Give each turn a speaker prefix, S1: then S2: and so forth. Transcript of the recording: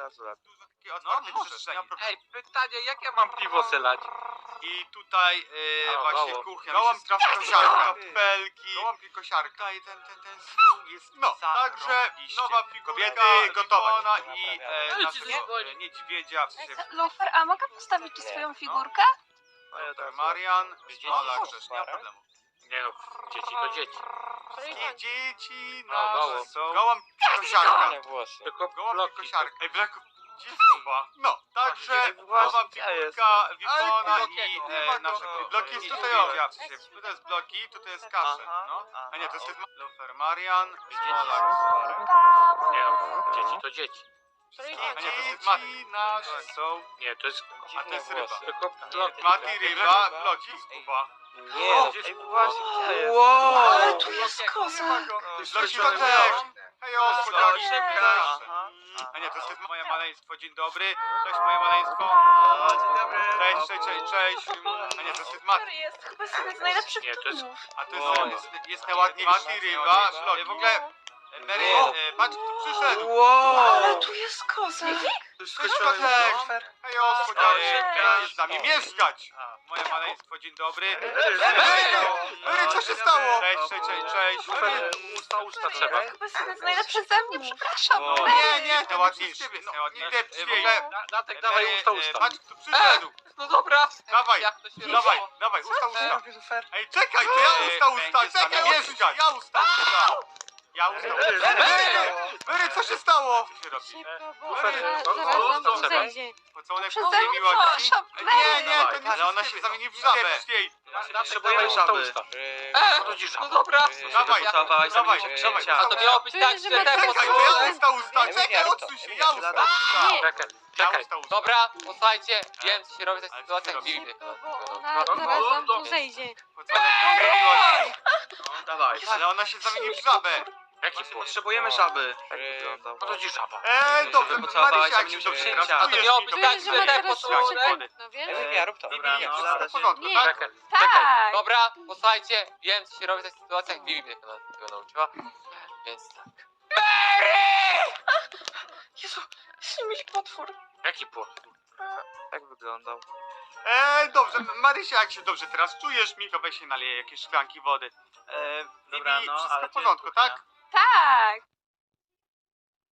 S1: razu lepiej.
S2: Takie otwarte przestrzenie.
S3: Ej, pytanie, jak ja mam piwo selać?
S2: I tutaj właśnie
S3: gołąb.
S2: kuchnia.
S1: Gołąb,
S2: Strasznie kosiarka,
S1: ty.
S2: kapelki.
S1: Gołąb i kosiarka.
S2: Tutaj ten stół jest
S1: No, także nowa figurka
S2: kobiety gotowa
S1: Wikona
S2: i
S3: Ale ci
S2: naszego
S3: dzwoni.
S2: niedźwiedzia, w sensie
S4: Lufer, a mogę postawić tu swoją figurkę?
S2: Marian,
S1: Ola,
S2: przecież nie ma problemu.
S3: Nie no, dzieci to dzieci.
S2: Wszystkie dzieci
S3: No,
S2: nasze
S3: gołąb.
S2: są...
S1: Gołąb i kosiarka.
S3: Tylko
S1: Gołąb i
S3: bloki.
S1: kosiarka.
S2: Ej, Black...
S1: Chyba. No, także
S2: Ej,
S1: nowa
S2: właśnie,
S1: figurka Wikona
S2: Ale
S1: i
S2: nie ma
S1: nasze
S2: go.
S1: bloki jest tutaj
S2: niedźwiedzia,
S1: o.
S2: w sensie, tutaj jest bloki, tutaj jest kasze, no. A nie, to jest Lufer, Marian,
S3: Nie no, dzieci to dzieci.
S2: A nie, to jest dzieci nasze są...
S3: Nie, to jest...
S2: A to jest ryba.
S3: Tylko bloki.
S2: Mati, ryba, bloki, skuba.
S1: Nie, no,
S3: Gdzieś-
S1: ej, właśnie, gdzie jest?
S3: Wow.
S4: Ale tu jest koza.
S2: Bloki to
S3: Bloki
S2: też.
S3: to
S2: Hej, ospodarz.
S3: Szybka.
S2: A nie, to jest moje maleństwo, dzień dobry. Cześć, moje maleństwo.
S1: Dzień dobry.
S2: Cześć. A nie, to jest Mati.
S4: Który jest chyba jeden z najlepszych
S3: Nie, to jest-
S4: filmów.
S2: A to
S1: Wow.
S2: jest najładniejszy. Mati, ryba, bloki. W ogóle, Mary, patrz kto przyszedł.
S4: Ale tu jest koza.
S2: Cześć, Kotek. Hej, ospodarz.
S3: Szybka.
S2: Jest z nami mieszkać. Moje maleństwo, dzień dobry.
S1: Mary, co się stało?
S2: Cześć.
S3: Usta trzeba.
S4: Chyba jest jeden z najlepszych ze mnie, przepraszam.
S2: Nie, najładniejszy.
S3: Natek, dawaj usta.
S2: Patrz kto przyszedł.
S3: No dobra.
S2: Dawaj,
S3: Jak to się
S2: dawaj,
S3: robi?
S2: usta. Ej, czekaj, to ja usta, czekaj, mieszkać. Ja usta. Mary, co się stało? Co się robi?
S4: Szybko, bo
S3: Lufer,
S4: zaraz nam tu
S3: trzeba.
S4: zejdzie.
S2: Pocałunek
S4: Przeze
S2: pełnej
S4: mnie,
S2: miłości?
S4: przepraszam.
S2: Nie, to nie, ale ona się zamieni w żabę.
S3: Potrzebujemy żaby. Chodzi żaba.
S1: No dobra.
S2: Dawaj,
S1: Pocałowałaś
S2: dawaj,
S1: zamienić
S2: dawaj.
S1: księcia.
S3: A to miało być tak, że te
S2: Czekaj, to ja usta,
S1: Nie,
S2: czekaj,
S1: rób
S2: odsuń
S1: to.
S2: się,
S1: Nie,
S2: ja
S1: nie,
S2: usta.
S4: Nie.
S3: Czekaj.
S2: Usta.
S3: Dobra, posłuchajcie, wiem co się robi w takich
S2: Ale
S3: sytuacjach
S2: co się robi?
S3: dziwnych.
S4: Bo ona zaraz nam tu zejdzie.
S2: Pocałunek pełnej miłości?
S1: Dawaj.
S2: Ale ona się zamieni w żabę.
S3: Jaki płot?
S1: Potrzebujemy żaby.
S3: Chodzi żaba.
S2: Dobrze,
S1: pocałowałaś
S2: Marysia, jak się
S1: zamienić
S2: dobrze
S1: księcia.
S2: teraz
S3: A to
S2: czujesz,
S3: miało
S2: mi
S3: być
S2: to
S3: tak,
S4: Czuję, że
S3: że
S4: ma
S3: te
S4: teraz
S3: pocałunek...
S4: szczypę, no wiesz?
S1: Ja rób to.
S2: Dobra,
S1: Nie,
S2: wszystko
S1: zada
S2: w
S1: się.
S2: porządku,
S4: Nie.
S2: tak?
S3: Czekaj.
S4: Tak.
S3: Dobra, posłuchajcie, wiem co się robi w takich sytuacjach, Vivi mnie tego nauczyła, więc tak.
S4: Jezu, śmieć potwór.
S3: Jaki płot?
S1: Tak wyglądał.
S2: Dobrze, Marysia, jak się dobrze teraz czujesz, Miko, weź się naleje jakieś szklanki wody.
S1: Dobra,
S2: Vivi,
S1: no,
S2: wszystko
S1: ale
S2: w porządku,
S1: gdzie jest
S2: tak?
S4: Tak.